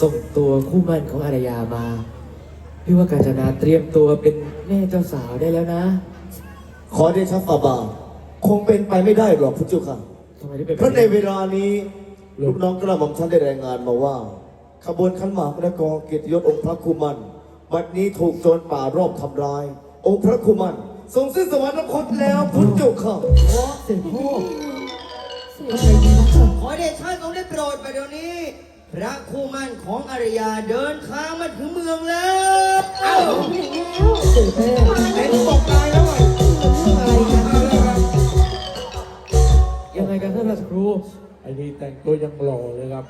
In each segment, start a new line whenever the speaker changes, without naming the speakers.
ส่งตัวคู่หมั่นของอารยามาพี่ว่ากาญจนาเตรียมตัวเป็นแม่เจ้าสาวได้แล้วนะ
ขอเดชะฝ่าบาทคงเป็นไปไม่ได้หรอกพระเจ้าค่ะ
ทำไมได้เป็น
เพราะในเวลานี้ลูกน้องกระหม่อมท่านได้รายงานมาว่าขบวนขันหมากและกองเกียรติยศองค์พระคุมันบัดนี้ถูกโจรป่ารอบทำร้ายองค์พระคุมันทรงสิ้นสวรรคตแล้วพระเจ้าค่ะ
เสด็จพ่อ
ขอเดชะทรงได้โปรดไปเดี๋ยวนี้ พระคู่มั่นของอารยาเดินทางมาถึงเมืองแล้วเอ้าเป็นตกตายแล้วไง
ยังไงกันท่านราชครู
ไอ้นี่แต่งตัวยังหล่อเลยครับ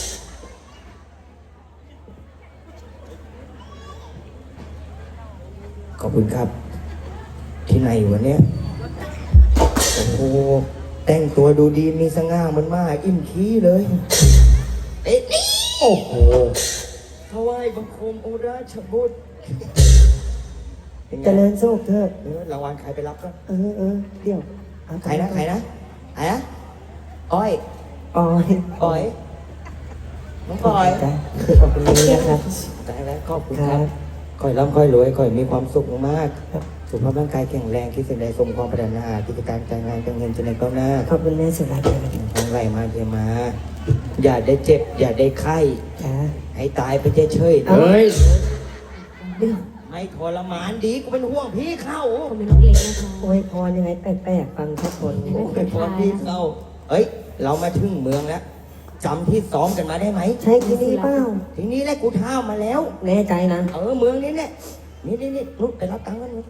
ขอบคุณครับ ที่ไหนวะเนี่ยโอ้โหแต่งตัวดูดีมีสง่ามันมากอิ่มขี้เลยเอ๊ะนี่
โอ้โห
ถวายบังคมองค์ราชบุตร
เจริญโชคเถอะ
รางวัลใครไปรับก็
เดี๋ยวเอา
ใครนะใครนะใครนะอ้อย
ปอย
อ้อยน้องอ้อย
จ้ะขอบคุณนะครับ
ได้แล้วขอบคุณ
ค
ค
รั
รั
บบ
ค่อยร่ำค่อยรวยค่อยมีความสุขมากๆสุขภาพร่างกายแข็งแรงคิดสิ่งใดสมความปรารถนากิจการการงานการเงินจะในก้าวหน้า
ขอบคุณแม่สุรัตน์
ทางไหลมาเทมา อย่าได้เจ็บ อย่าได้ไข้
จ้ะ
ให้ตายไปเฉยๆ
เฮ้ย
เดี๋ยว
ไม่ทรมานดีกูเป็นห่วงพี่เข้า
ผมเป็นนกเล็กนะคะ
อวยพรยังไงแปลกๆฟังทุกคน
โอ้เป็นพรพี่เข้าเอ้ย เรามาถึงเมืองแล้วจำที่ซ้อมกันมาได้ไหม
ใช่ที่นี่เปล่า
ทีนี้แหละกูเท้ามาแล้ว
แน่ใจนะ
เมืองนี้เนี่ยนี่นุ๊กไปรับตังค์กันนุ๊ก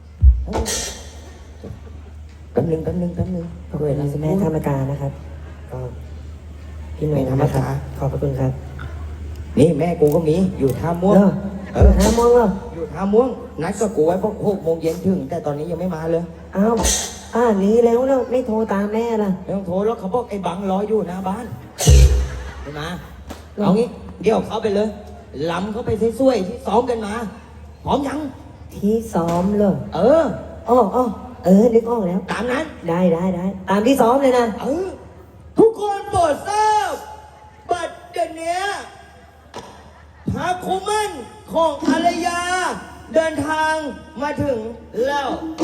แป๊บนึง
ขอบคุณแม่ธรรมการนะครับก็พี่หนุ่
แม่
ม
ธรรม
นะครับ
กา
ขอบพระคุณครับ
นี่แม่กูก็มีอยู่ท่าม่วง
เออห้าโมงเหรอ
อยู่ท่าม่วง นัดกับกูไว้พวก6 โมงเย็นถึง แต่ตอนนี้ยังไม่มาเลย
อ้าวนี้แล้วไม่โทรตามแม่ล่ะ
ไม่ต้องโทรแล้วเขาบอกไอ้บังรออยู่หน้าบ้านไม่มาเอางี้เดี๋ยวเขาไปเลยลำเขาไปสวยๆที่ซ้อมกันมาพร้อมยัง
ที่ซ้อมเหรอ
เออ
นึกออกแล้ว
ตามนั้น
ได้ตามที่ซ้อมเลยนะ
ทุกคนโปรดทราบบัดเดี๋ยวนี้พระคุมันของภรรยา เดินทางมาถึงแล้ว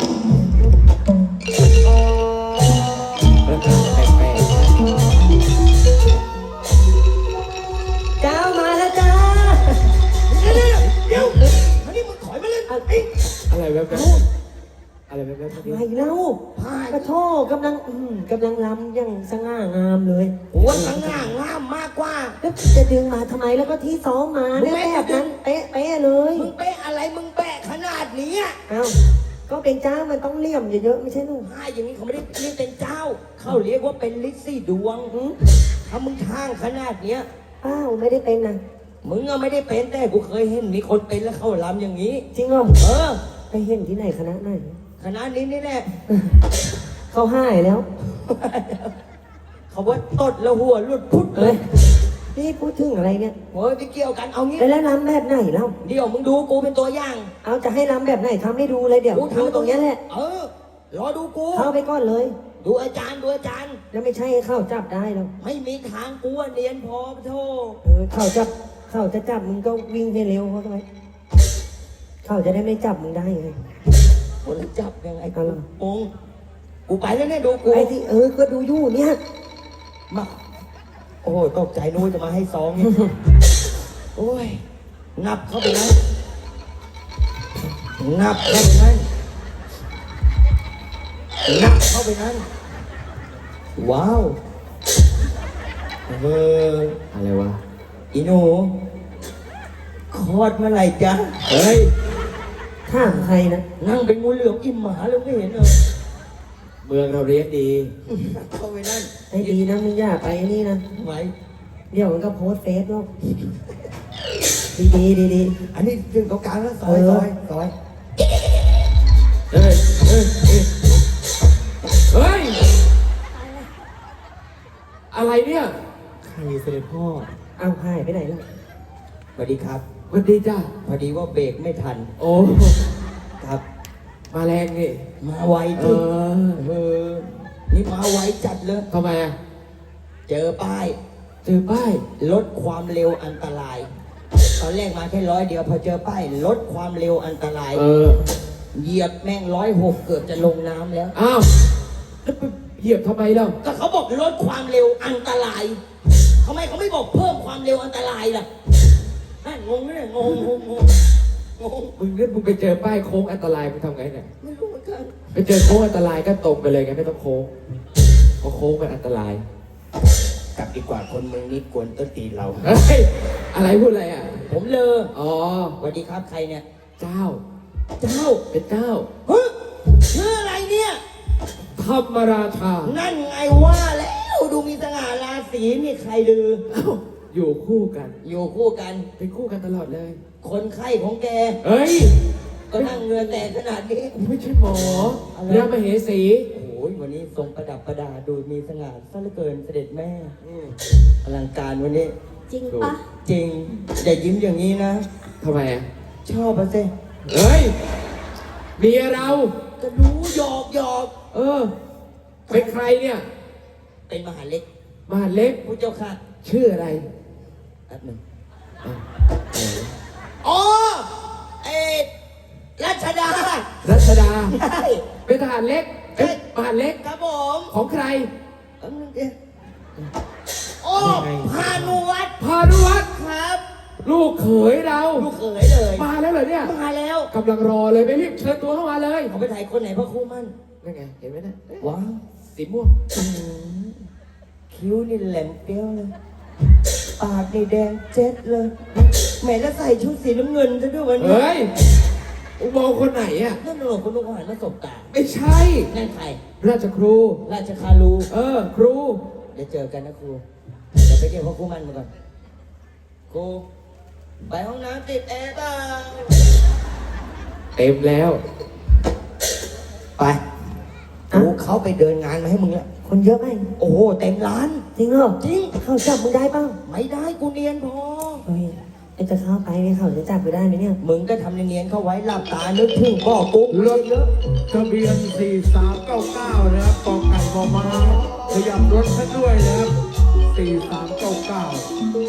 เจ้ามาแล้วจ้า
เดี๋ยวอันนี้มึงถอยมาเล่นไอ้
อะไรแบบนั้นอะไรแบบนั้น
ไม่เล่าพระโทษกำลังรำอย่างสง่างามเลย
หัวสง่างามมากกว่า
แล้วจะดึงมาทำไมแล้วก็ที่ซ้อมมาเนี่ยแบบนั้นเป๊ะเลย
มึงเป๊ะอะไรมึงแปะขนาดนี้อะ
เอ้าก็เป็นเจ้ามันต้องเลี่ยมเยอะๆไม่ใช่ลูก
ถ้าอย่างนี้เขาไม่ได้เรียกเป็นเจ้า เขาเรียกว่าเป็นฤทธิ์สี่ดวง ถ้ามึงข้างขนาดเนี้ย
อ้าวไม่ได้เป็นนะ
มึงอะไม่ได้เป็นแต่กูเคยเห็นมีคนเป็นแล้วเขาลำอย่างนี้
จริงเหรอ
เออ
ไปเห็นที่ไหนคณะไหน
ขนาดนี้นี่แหละ
เขาให้แล้ว
เขาว่าตดแล้วหัวหลุดพุดเล
เอ้
ย
ยนี่พูดถึงอะไรเนี่ย
โอ้ยไม่เกี่ยวกันเอางี้
แล้วรำแบบไหนเล่า
เดี๋ยวมึงดูกูเป็นตัวอย่าง
เอาจะให้รำแบบไหนทำให้ดูเลยเดี๋ยว
กู
ดูตรงเนี้ยแหละ
รอดูกู
เข้าไปก่อนเลย
ดูอาจารย์
แล้วไม่ใช่ให้เข้าจับได้หรอก
ไม่มีทางกูอะเนียนพอโทษ
เขาจะจับมึงก็วิ่งให้เร็วเขาทำไมเขาจะได้ไม่จับมึงได้ไง
คนละจับยังไง
เอาล่ะ
องกูไปแล้วเนี่ยดูกู
ไอ้ที่ก็ดูอยู่เนี่ย
มาโอ้ยตกใจนู้นจะมาให้ซองเนี่ยโอ้ยนับเข้าไปนั้นนับเข้าไปนั้นนับเข้าไปนั้นว้าว
อะไรวะ
อีหนูคลอดเมื่อไหร่จ๊ะ
เฮ้ย
ถ้ามใครนะ
นั่งเป็นงูเหลือมอิ่มหมาเลยไม่เห็นเลย
เมืองเราเรียนดี
เข้าไปนั่น
ไอ้ดีนะมึงอย่าไปนี่นะ
ไหว
เดี๋ยวมันก็โพสต์เฟซหรอกดี
อันนี้ถึงตรงกลางแล้วซอยซอยซอย
เฮ้ยอะไรเนี่ย
ใครเสด็จพ่อ
เอาหายไปไหนแล้ว
สวัสดีครับ
สวัสดีจ้า
พอดีว่าเบรกไม่ทัน
โอ้
ครับ
มาแรงนี่
มาไว
เอ
จริง
อ
นี่มาไวจัดเลย
ทำไมอ่ะ
เจอป้าย
เจอป้าย
ลดความเร็วอันตราย ตอนแรกมาแค่100เดียวพอเจอป้ายลดความเร็วอันตราย เหยียบแม่ง106เกือบจะลงน้ำแล้ว
อ้าวแล้วไปเหยียบทำไมเล่า
ก็เขาบอกลดความเร็วอันตรายทำไมเขาไม่บอกเพิ่มความเร็วอันตรายล่ะนั่นงงไหมเนี่ยงง
มึงไปเจอป้ายโค้งอันตรายมึงทำไงเนี่ย
ไม่รู้เหมือนกัน
ไปเจอโค้งอันตรายก็ตรงไปเลยไงไม่ต้องโค้งเพราะโค้งมันอันตราย
กลับดีกว่าคนเมืองนี้กวนต้นตีนเรา
เฮ้ยอะไรพูดอะไรอ่ะ
ผมเลอ
อ๋อ
สวัสดีครับใครเนี่ย
เจ้า
เจ้า
เป็นเจ้า
เฮ้ยชื่ออะไรเนี่ย
ธรรมราชา
นั่นไงว่าแล้วดูมีสง่าราศีนี่ใครลือ
เอ้าอยู่คู่กัน
อยู่คู่กัน
เป็นคู่กันตลอดเลย
คนไข้ของแก
เฮ้ย
ก็นั่งเงือแตกขนาดนี้
ไม่ใช่หมอ
อะไร
เรียกมเหสี
โอ้ยวันนี้ทรงประดับประดาดูมีสง่าซะเหลือเกินเสด็จแม่อลังการวันนี้
จริงปะ
จริงอย่ายิ้มอย่างนี้นะ
ทำไมอ่ะ
ชอบปะเซ่
เฮ้ยเมียเรา
ก็รู้หยอกหยอก
เออ เป็นใครเนี่ย
เป็นมหาเล็ก
มหาเล็ก
ผู้เจ้าค่ะ
ชื่ออะไร
แป๊บหนึ่ง
อ้าว
อ๋อเอ็ดรัชดา
รัชดา
ใช่
เป็นทหารเล็กเอ๊ะมหาเล็ก
ครับผม
ของใคร
แป๊บนึงเดียวโอ้พานุวัฒน์
พานุวัฒน์
ครับ
ลูกเขยเรา
ลูกเขยเลย
มาแล้วเหรอเนี่ย
มาแล้ว
กำลังรอเลยไปรีบเชิญตัวเข้ามาเลย
เขาไปถ่ายคนไหนพระครูมั่น
นั่นไง เห็นไหมเนะ
ว้าว
สีม่วง
คิ้วนี่แหลมเปี้ยวเลย ปากนี่แดงเจ็ดเลยแหม่แล้วใส่ชุดสีน้ำเงินซะด้วยวันนี้
เฮ้ยอุโมงค์คนไหนอ่ะ
นั่นหนูคุณลูกหันมาสบตา
ไม่ใช่
นั่นใคร
ราชครู
ราชคารู
เออ ครู
เดี๋ยวเจอกันนะครู เดี๋ยวไปเรียกพ่อครูมันมาก่อน ครู ไปห้องน้ำติดแอร์เปล่า
เต็มแล้ว
ไปกูเขาไปเดินงานมาให้มึงแล้ว
คนเยอะไหม
โอ้โหเต็มร้าน
จริงเหรอ
จริง
เขาจับมึงได้เปล่า
ไม่ได้กูเนียนพอ
เฮ้ยไอ้จะเข้าไปเนี่ยเขาจะจับกูได้ไหมเนี่ย
มึงก็ทำเนียนๆเข้าไว้หลับตานึกถึงพ่อปุ๊บ
รถทะเบียน 4399 นะครับกองไก่มอม้าขยับรถให้ด้วยนะครับ 4399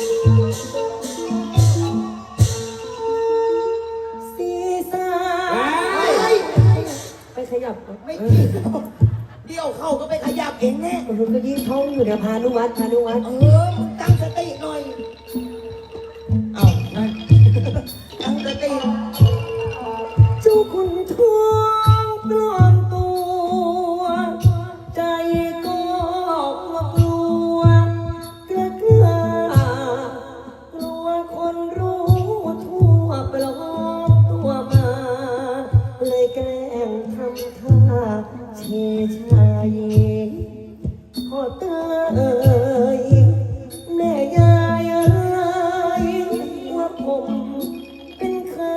สีสา
เฮ้ย
ไปขยับ
ไม่เกี่ยวเดี๋ยวเข้าก็ไปขยับเองแน่
มันก็ยิ่งท้องอยู่เนี่ยพานุวัฒน์
มึงตั้งสติหน่อย เอานั่น ตั้งสติ
เจ้าคุณทองปลอมตัว ใจก็กลัวกล้ากล้ากลัวคนรู้ทั่วปลอมตัวมา เลยแกล้งทำท่าเชชายพ่อเตยแม่ยายเอ้ยว่าผมเป็นใคร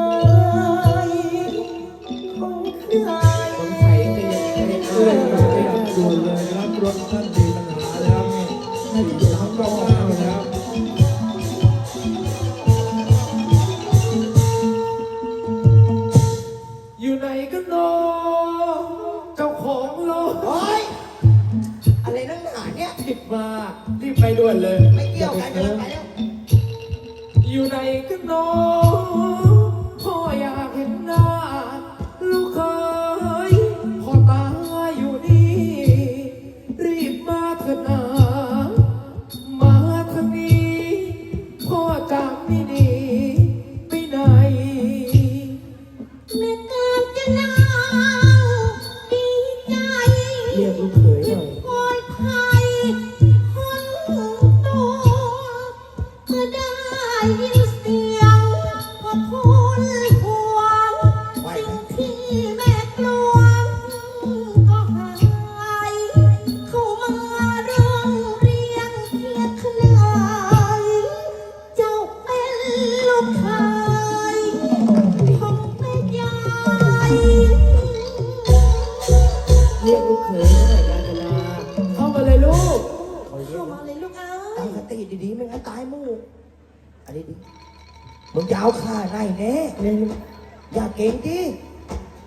ของใคร
สงสัยจะยังไม่ได้
เรื่องรถขยับด่วนเลยนะครับรถท่านมีปัญหาแล้ว4399นะครับ
อยู่ไหนกันเนาะเจ้าของรถ
โอ๊ย อะไรนั่งหนาเนี่ย
ผิดมา รีบไปด่วนเลย
ไม่เกี่ยวกันกันไปแล้ว
อยู่ไหนกันเนาะพ่ออยากเห็นหน้า ลูกเคยพ่อตาอยู่นี่ รีบมาเถอะนะมาทางนี้พ่อจะไม่หนีไปไหน
แม่การจะนาวดีใจ
เรียกลูกเขยหน่อย
ปลอดภัยคนตัวเมื่อได้ยินเสียงพอทุนห่วงสิ่งที่แม่กลัวก็หายเข้ามาร้องเรียนเคียดขนายเจ้าเป็นลูกชายผมเป็นยาย
เรียกลูกเขยหน่อยกาญจนา
เข้ามาเลยลูก
เขาเรีย
เข้าก มาเลยลูกเอ้
ตั้
ย
งสติดีๆไม่งั้นตายหมู่อันนี้ดิมึงยาวขาไหนแน่
เนี่ย
อย่าเก่งดิ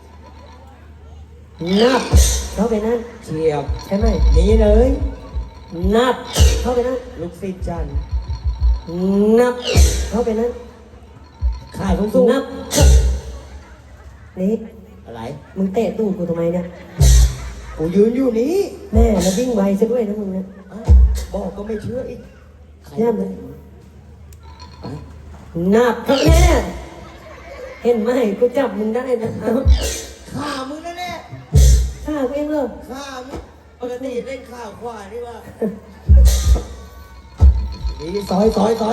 นับเข้าไปนั่น
เฉียบ
ใช่ไหม
หนีเลย
นับเข้าไปนั่น
ลูกศิษย์จันทร์
นับเข้าไปนั่น
ขาสูง
นับนี่
ๆอะไร
มึงเตะตูดกูทำไมเนี่ย
กูยืนอยู่นี้
แม่แล้ววิ่งไวซะด้วยนะมึงเนี่ย
อ้าวบอกก็ไม่เชื่ออีกใคร
แย่ไหม
ไป
นับครับแม่เห็นไหมกูจับมึงได้นะเอ้า
ข่ามึงนั่นแน่
ข้ากูเองเหรอ
ข่ามึงปกติเล่นข่าวขวานี่ว่านี่ซอย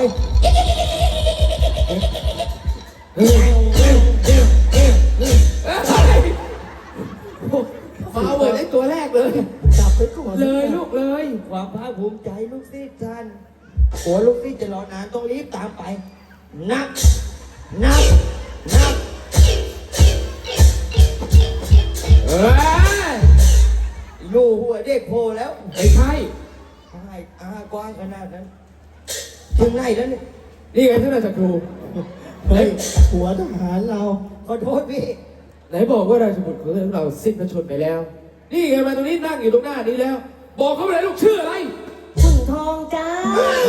ฟาวเวิร์ดไอ้ตัวแรกเลย
จับไปก่อน
เลยลูกเลย
ความภาคภูมิใจลูกศิษย์จันทร์กลัวลูกศิษย์จะรอนานต้องรีบตามไป นับ
เอ้ย
ลูหัวเด็กโผล่แล้ว
ไม่ใช่
ให้กว้างขนาดนั้น ถึงไหนแล้วเนี่ย
นี่ไงท่านอาจารย์ครู
เฮ้ยหัวทหารเรา
ขอโทษพี่
ไหนบอกว่าราชบุตรของเราสิ้นพระชนม์ไปแล้ว นี่ไงมาตรงนี้นั่งอยู่ตรงหน้านี้แล้ว บอกเขาไปเลยลูกชื่ออะไร
ขุนทองจ้า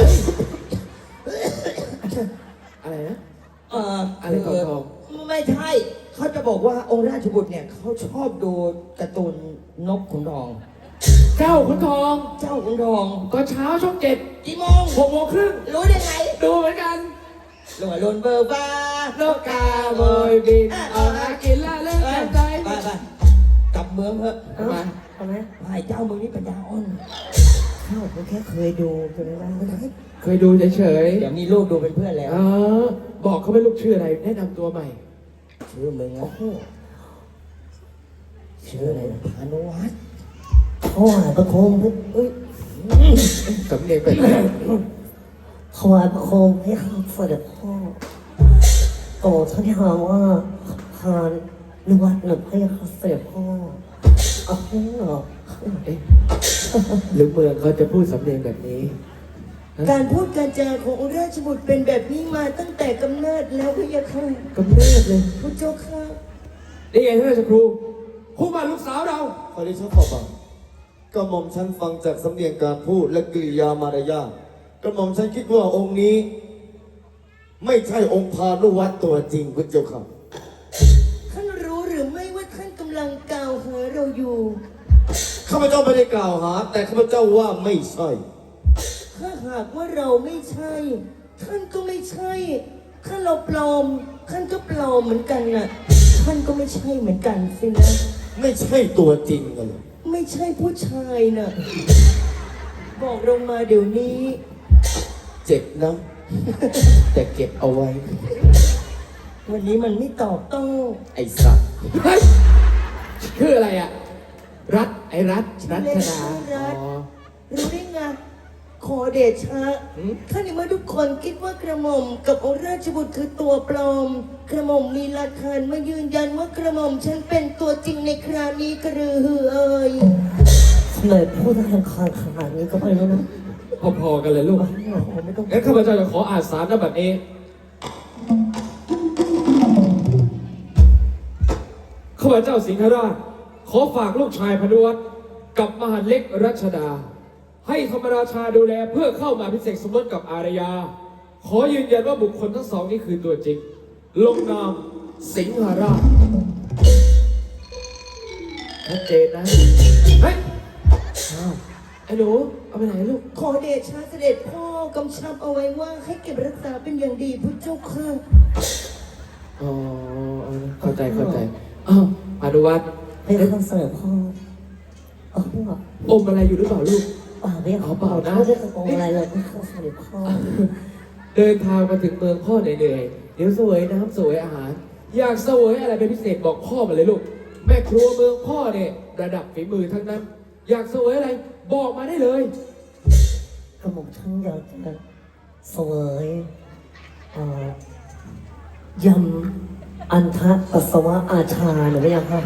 อะไรนะ
อะไร
ทอง
ไม่ใช่ เขาจะบอกว่าองค์ราชบุตรเนี่ยเขาชอบดูการ์ตูนนกขุนทอง
เจ้าขุนทอง
เจ้าขุนทอง
ก็เช้าช่อง7
กี่โมง
6:30
รู้ได้ไง
ดูเหมือนกัน
หลวงลนเบอร์บ้าน
กกาโบยบินเอาหากินละเล่นกันใจ
ไปกลับเมืองเถอะ
เอ้าทำไม
ไอ้เจ้ามึงนี่ปัญญาอ่อน
เข้ากูแค่เคยดูกันไม่ได้
เคยดูเฉย
เดี๋ยวมีลูกดูเป็นเพื่อนแล้ว
บอกเขาไปลูกชื่ออะไรแนะนำตัวใหม่
ชื่อมึงนะชื่ออะไรนะพานุวัฒน์
พ่อประโคมเอ้ย
สำเนียงเป็นไง
ถวายประโคมให้ข้าเสด็จพ่อโอ้ท่านที่หาว่าทานนวัดหนึ่งให้ข้าเสด็จพ่อเอาเหรอ
เอ๊ะหรือเมืองเขาจะพูดสำเนียงแบบนี้
การพูดการจาขององค์ราชบุตรเป็นแบบนี้มาตั้งแต่กำเนิดแล้วพะยะค่ะ
กำเนิดเลย
พระเจ้าค่ะ
นี่ไงท่านราชครูคู่บ้านลูกสาวเรา
ขอดิฉันขอบังกระหม่อมฉันฟังจากสำเนียงการพูดและกริยามารยาทกระหม่อมฉันคิดว่าองค์นี้ ไม่ใช่องค์พานุวัตรตัวจริงคุณเจ้าค่ะ
ท่านรู้หรือไม่ว่าท่านกำลังกล่าวหาเราอยู่
ข้าพเจ้าไม่ได้กล่าวหา แต่ข้าพเจ้าว่าไม่ใช่
ถ้าหากว่าเราไม่ใช่ ท่านก็ไม่ใช่ ถ้าเราปลอม ท่านก็ปลอมเหมือนกันน่ะ ท่านก็ไม่ใช่เหมือนกันสินะ
ไม่ใช่ตัวจริงกันเลย
ไม่ใช่ผู้ชายน่ะ บอกเรามาเดี๋ยวนี้
เจ็บนะ แต่เก็บเอาไว้
วันนี้มันไม่ตอบโต้
ไอ้สัตว์
เฮ้ยชื่ออะไรอ่ะ รัฐไอ้รัฐรัชดาอ๋อ
รู้ได้ไง ขอเดชะถ้าในเมื่อทุกคนคิดว่ากระหม่อมกับองค์ราชบุตรคือตัวปลอม กระหม่อมมีหลักฐานมายืนยันว่ากระหม่อมฉันเป็นตัวจริงในคราวนี้กระรือหือเอ่ย
ทำไมพูดทางคานขนาดนี้ก็ไม่รู้นะ
พอๆกันเลยลูก
ไม่ต้อง
งั้นข้าพเจ้าจะขออ่านสารนบัตรเองข้าพเจ้าสิงหราชขอฝากลูกชายพนุวัฒน์กับมหาดเล็กรัชดา ให้ธรรมราชาดูแลเพื่อเข้ามาพิเศษสมรสกับอารยา ขอยืนยันว่าบุคคลทั้งสองนี้คือตัวจริง ลงนามสิงหราชชัดเจนนะเฮ้ยอ้าวไอ้หนูเอาไปไหนลูก
ขอเดชะเสด็จพ่อกำชับเอาไว้ว่าให้เก็บรักษาเป็นอย่างดีพุทธเจ้าค่ะ
อ๋อเข้าใจอ้าวอนุวัฒน์
ให้ข้าเสด็จพ่อเอาเหรอ
อมอะไรอยู่หรือเปล่าลูก
ป่าไม่เอา
เปล่านะ
ไม่ได้กระโปรงอะไรเลยให้ข้าเสด็จพ่อ
เดินทางมาถึงเมืองพ่อเหนื่อยๆเดี๋ยวเสวยน้ำเสวยอาหาร อยากเสวยอะไรเป็นพิเศษบอกพ่อมาเลยลูก แม่ครัวเมืองพ่อเนี่ยระดับฝีมือทั้งนั้น อยากเสวยอะไรบอกมาได้เลย
กระหม่อมฉันอยากจะเสวยยำอันทะปัสสาวะอาชาหรือไม่ยังค่ะ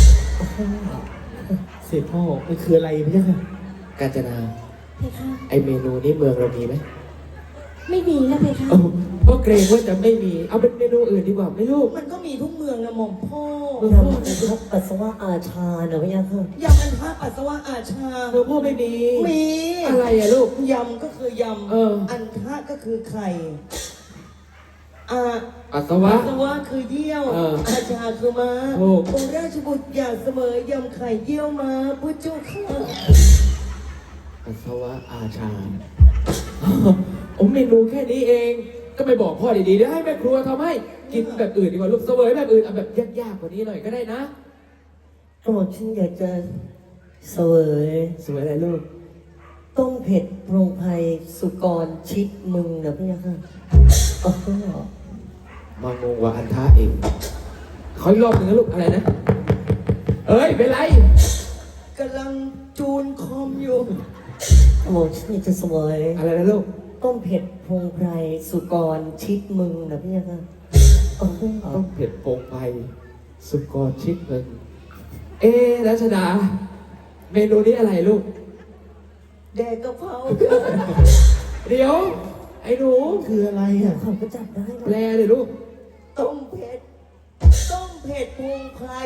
เสด็จพ่อมันคืออะไรพี่เจ้าค่ะ
กาญจนา ไอเมนูนี้เมืองเรามีไหม
ไม่มีนะเพคะ
เอ้าเพราะเกรงว่าจะไม่มี เอาเป็นเมนูอื่นดีกว่าไหมลูก
มันก็มีทุกเมืองนะหม่อมพ่อย
ำอันทะปัสสาวะอาชาเนอะพี่ยาค่ะ
ยำอันทะปัสสาวะอาชา
เมืองพ่อไม่มี
มี
อะไรอะลูก
ยำก็คือยำ
เออ
อันทะก็คือไข่อา
ปัสสาวะ
ปัสสาวะคือเยี่ยว
เออ
อาชาคือม้า
ถูก
องค์ราชบุตรอยากเสมอยำไข่เยี่ยวม้าพุทธเจ้าค่ะ
ปัสสาวะอาชาโอ้เมนูแค่นี้เอง ก็ไม่บอกพ่อดีๆเดี๋ยวให้แม่ครัวทำให้ กินแบบอื่นดีกว่าลูกเสวยแบบอื่นเอาแบบยากๆกว่านี้หน่อยก็ได้นะ
ก็บอกฉันอยากจะเสวย
สวยอะไรลูก
ต้มเผ็ดโปรงไพรสุกรชิดมึงนะพี่ยาค่ะอ๋อ
มางงว่าอันท้าเองขออีกรอบหนึ่งนะลูกอะไรนะ เอ้ยเป็นไร
กำลังจูนคอมอยู่
ก็บอกฉันอยากจะเสวย
อะไรนะลูก
ต้มเผ็ดโปรงไพรสุกรชิดมึงนะพี่ยาค่ะอ๋อ
ต้องเผ็ดโปงไปสุกรชิดเงินรัชดา เมนูนี้อะไรลูก
แดกกะเพรา
เดี๋ยว ไอ้หนู
คืออะไรอ่ะ
เขาก็จับได้
แปลเลยลูก
ต้มเผ็ด ต้มเผ็ดพงไพร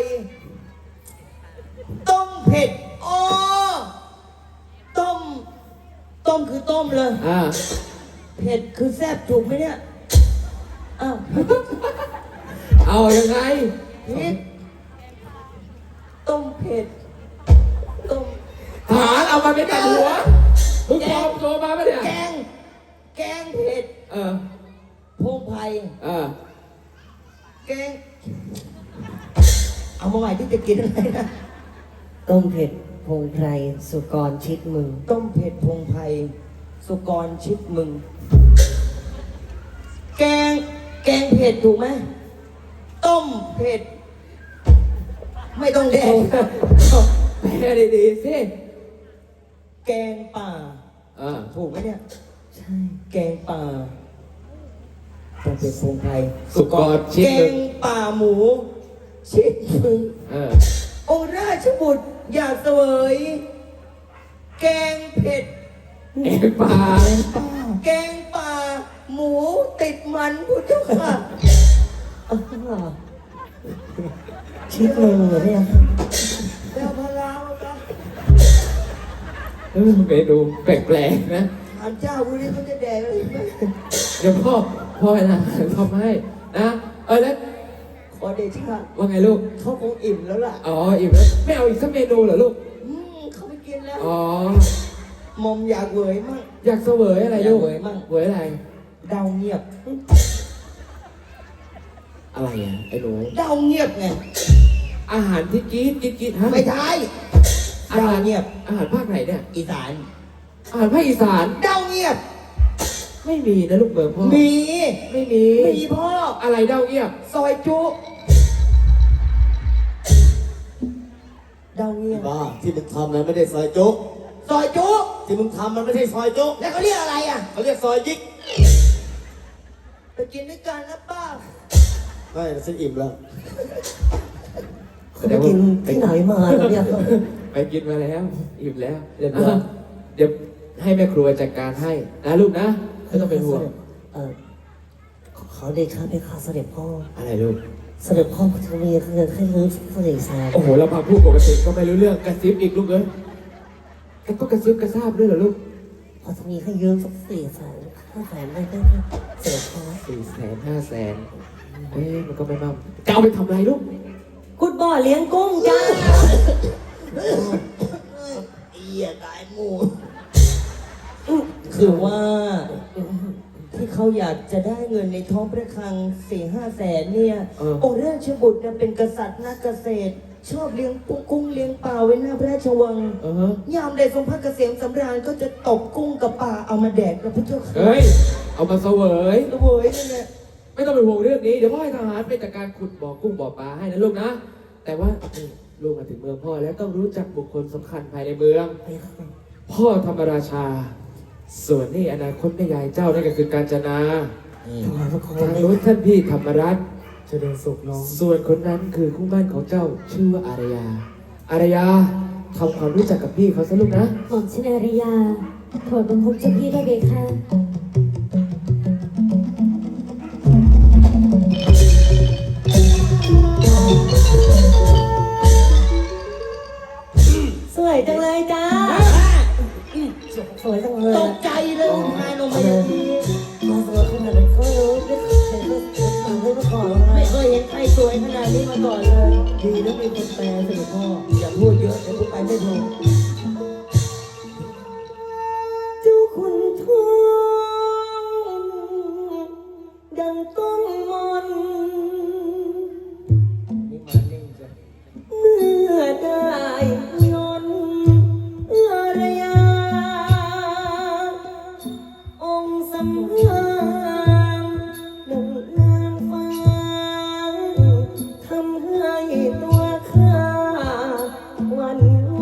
ต้มเผ็ดอ๋อต้ม ต้มคือต้มเลย
อ่า
เผ็ดคือแซ่บถูกไหมเนี่ย อ้าว
เอายังไง
พิษต้มเผ็ด ต้ม
ฐานเอามาเป็นตัดหัวมึงปลอมตัวมาปะเนี่ย
แกง แกงเผ็ด
เออ
พงไพร
เออ
แกง เอามาใหม่ที่จะกินอะไรนะ
ต้มเผ็ดโปรงไพรสุกรชิดมึง
ต้มเผ็ดพงไพรสุกรชิดมึง แกง แกงเผ็ดถูกไหม ต้มเผ็ด ไม่ต้องแดง
แปลดีๆสิ
แกงป่า
เออ
ถูกไหมเนี่ย
ใช่
แกงป่าต้มเผ็ดพงไพร
สุกรชิด
แก
มึ
ง
ง
ป่าหมู ชิดมึง
เออ
องค์ราชบุตรอยากเสวย แกงเผ็ด
เอ็งปลา
แกงป่า หมูติดมันพุทธค่ะ
อ๋อชิดมึงเหรอพี่ยาค่ะ
แล้วพะลาวนะ
เมนูแปลกๆนะ
ถามเจ้าพวกนี้เขาจะแดกอะไรไหม
เดี๋ยวพ่อนะทำให้นะ แล้ว
ขอเดชะ
ว่าไงลูก
เขาคงอิ่มแล้วล่ะ
อ๋ออิ่มแล้วไม่เอาอีกสักเมนูเหรอลูก
เขาไม่กินแล้ว
อ๋อ
มอมอยากเหวยมั่ง
อยากเสวยอะไรลูก
อยากเสวยมั่ง
เวยอะไร
เดาเงียบ
อะไรอ่ะไอ้หนู
เดาเงียบไง
อาหารที่กรีดฮะ
ไม่ใช่
อา
เดา
หาร
เงียบ
อาหารภาคไหนเนี่ย
อีสาน
อาหารภาคอีสาน
เดาเงียบ
ไม่มีนะลูกเบอร์พ่อ
มี
ไม่มี
มีพ่อ
อะไรเด้าเงียบ
ซอยจุเดาเงียบ
บ้าที่มึงทำนั้นไม่ได้ซอยโจ๊ก
ซอยจุ
ที่มึงทำมันไม่ใช่ซอยโจ๊ก
แล้วเขาเรียกอะไรอ่ะ
เขาเรียกซอยยิก
ไปกินด้วยกันนะป้า
ไม่ฉันอิ่มแล้ว
เขาไปกินที่ไหนมาเหรอพี่ยาค่ะ
ไปกินมาแล้วอิ่มแล้ว
เรียบร้อย
เดี๋ยวให้แม่ครัวจัดการให้นะลูกนะไม่ต้องเป็นห่วง
ขอเดชะไปค่ะเสด็จพ่อ
อะไรลูก
เสด็จพ่อพัทวีคือให้รื้อเสด็จสาร
โอ้โหเราพาพูดปกติก็ไม่รู้เรื่องกระซิบอีกลูกเอ้ยก็กระซิบกระซาบด้วยเหรอลูก
พัทวีให้ยืมสัก400,000 500,000ได้ไหมเสด็จพ่อ
400,000 500,000มันก็ไม่มากจะเอาไปทำอะไรลูก
กุดบ่อเลี้ยงกุ้งจ้า
เอียตายหมูคือว่าที่เขาอยากจะได้เงินในท้องพระคลัง4-5 แสนเนี่ย องค์ราชบุตรเนี่ยเป็นกษัตริย์นักเกษตร ชอบเลี้ยงกุ้งเลี้ยงปลาไว้หน้าพระราชวัง ยามใดทรงพระเกษมสำราญก็จะตบกุ้งกับปลาเอามาแดกกับพระเจ้าค่ะ
เฮ้ย เอามาเสวย
เว้ยนี่แหละ
ไม่ต้องเป็นห่วงเรื่องนี้ เดี๋ยวพ่อให้ทหารไปจัดการขุดบ่อกุ้งบ่อปลาให้นะลูกนะ แต่ว่านี่ลูกมาถึงเมืองพ่อแล้วต้องรู้จักบุคคลสำคัญภายในเมือง พ่อธรรมราชา ส่วนนี่อนาคตแม่ยายเจ้านั่นก็คือกาญจนา
ถวายพระโค
ทาง
ม
โน้นท่านพี่ธรรมรัตน์
เจริญสุขน้อง
ส่วนคนนั้นคือคู่มั่นของเจ้าชื่อว่าอารยา อารยาทำความรู้จักกับพี่เขาซะลูกนะ
หม่อมชินอาริยาโปรดบังคับเจ้าพี่ได้เบค่ะ
ก่อนเลย ดีนะมีคนแปลเสด็จพ่อ อย่าพูดเยอะเดี๋ยวกูไปไม่ถูก
เจ้าคุณทองดังต้นมน
นี่มานิ่งจ้ะ
เมื่อได้ยนเอื้อระยาองค์สำราญดังนางฟ้าทำให้ตัวข้าหวั่นไหว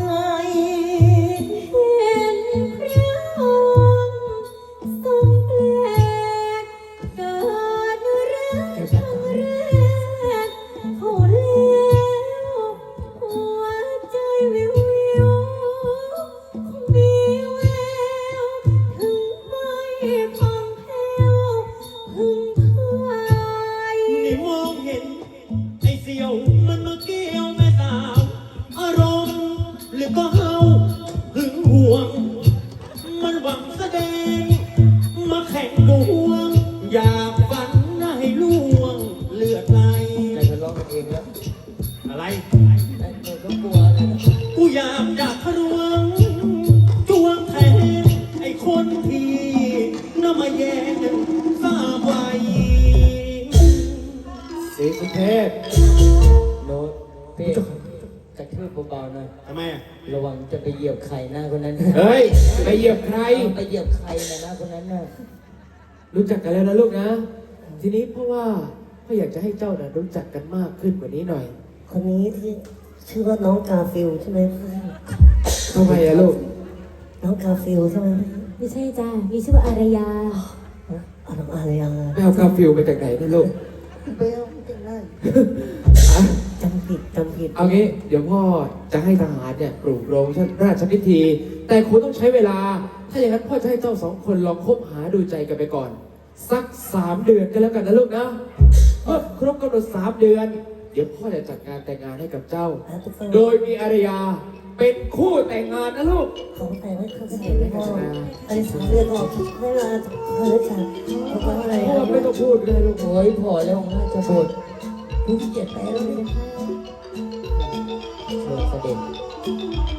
เห็นพระองค์ทรงแปลกเกิดรักครั้งแรกเขาแล้วหัวใจวิววิวมีแววถึงไม่คล่องแคล่วพึงพาย
นี่มองเห็นไอ้เสี่ยวมันมาเกี่ยวแม่สาวอารมณ์หรือก็เฮาหึงหวง มันหวังแสดงมาแข่งดวง อยากฝันให้ล่วงเลือดไหล
แต่ทะเลาะกันเองแล้ว
อะไร
ไอ้คนก็กลัวอะไรนะ
กูอยากทะลวงจวงแทนไอ้คนที่น่ามาแย่งทราบไว้
สีสุเทพ
โน้ตเป้กระทืบเบาๆหน่อย
ทำไมอ่ะ
ระวังจะไปเหยียบไข่หน้าคนนั้น
เฮ้ย ไปเหยียบใคร
ไปเหยียบไข่นะหน้าคนนั้นน่ะ
รู้จักกันแล้วนะลูกนะ ทีนี้เพราะว่าพ่ออยากจะให้เจ้าน่ะรู้จักกันมากขึ้นกว่านี้หน่อย
คนนี้ที่ชื่อว่าน้องกาฟิลใช่ไหม
ทำไมอะลูก
น้องกาฟิลใช่ไหม
ไม่ใช่จ้ามีชื่อว่าอารยา
อ๋อน้องอารยา
ไปเอากาฟิลมาจากไหนนะลูก
เบลไม่เป็นไร
อ่ะ
จำผิด
เอางี้ เดี๋ยวพ่อจะให้ทหารเนี่ยปลูกโรงราชพิธี แต่คุณต้องใช้เวลา ถ้าอย่างนั้นพ่อจะให้เจ้าสองคนลองคบหาดูใจกันไปก่อน สัก 3 เดือนกันแล้วกันนะลูกนะเมื่อครบกำหนด3 เดือน เดี๋ยวพ่อจะจัดงานแต่งงานให้กับเจ้า โดยมีอารยาเป็นคู่แต่งงานนะลูก
ของแต่ไม่เข้าใจไม่พออันนี้สามเดือนบอกไม่เวลาเธอจะบอกว่าอะไร
พ่อไม่ต้องพูดก็ได้ลูก
โอ้ยพอแล้วน่าจะบดผู้ที่เจ็บแพ้แล้วเนี่ยเชิญเสด็จ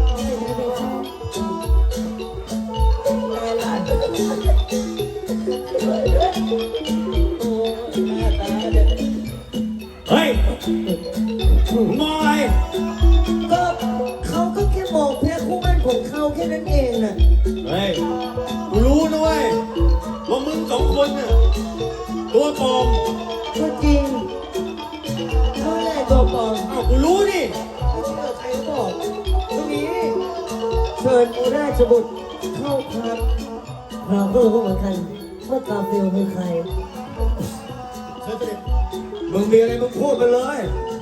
เฮ้ยมึงมองอะไร
ก็เขาก็แค่บอกแพ้คู่มั่นของเขาแค่นั้นเองน่ะ
เฮ้ย กูรู้นะเว้ยว่ามึงสองคนน่ะตัวปลอม
ก็จริงเขาแหละตัวปลอม
อ้าวกูรู้นี่
ไม่เชื่อใครก็บอกตรงนี้เชิญราชบุตรเข้าพัก
เราก็รู้เหมือนกันว่ากาฟิลคือใคร
เชิญเสด็จ
มึงมีอะไรมึงพูดมาเลย
เ